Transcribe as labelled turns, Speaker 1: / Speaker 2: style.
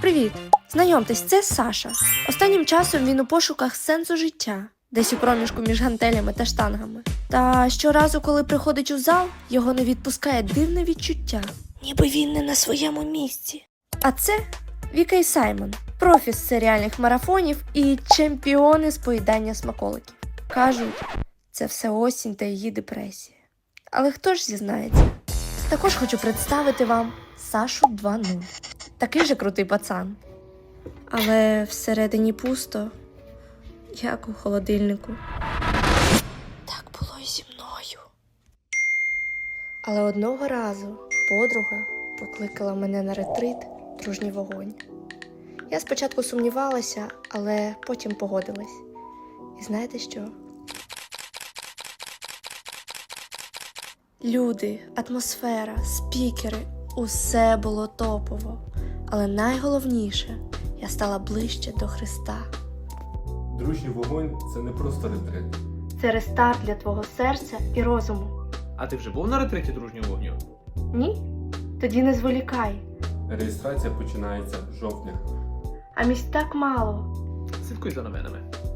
Speaker 1: Привіт! Знайомтесь, це Саша. Останнім часом він у пошуках сенсу життя, десь у проміжку між гантелями та штангами. Та щоразу, коли приходить у зал, його не відпускає дивне відчуття, ніби він не на своєму місці. А це Віка і Саймон, профі з серіальних марафонів і чемпіони з поїдання смаколиків. Кажуть, це все осінь та її депресія. Але хто ж зізнається? Також хочу представити вам Сашу 2.0. Такий же крутий пацан. Але всередині пусто, як у холодильнику. Так було і зі мною. Але одного разу подруга покликала мене на ретрит «Дружній вогонь». Я спочатку сумнівалася, але потім погодилась. І знаєте що? Люди, атмосфера, спікери – усе було топово. Але найголовніше – я стала ближче до Христа.
Speaker 2: Дружній вогонь – це не просто ретрит.
Speaker 1: Це рестарт для твого серця і розуму.
Speaker 3: А ти вже був на ретриті дружнього вогню?
Speaker 1: Ні? Тоді не зволікай.
Speaker 2: Реєстрація починається з жовтня.
Speaker 1: А місць так мало.
Speaker 3: Слідкуй за новинами.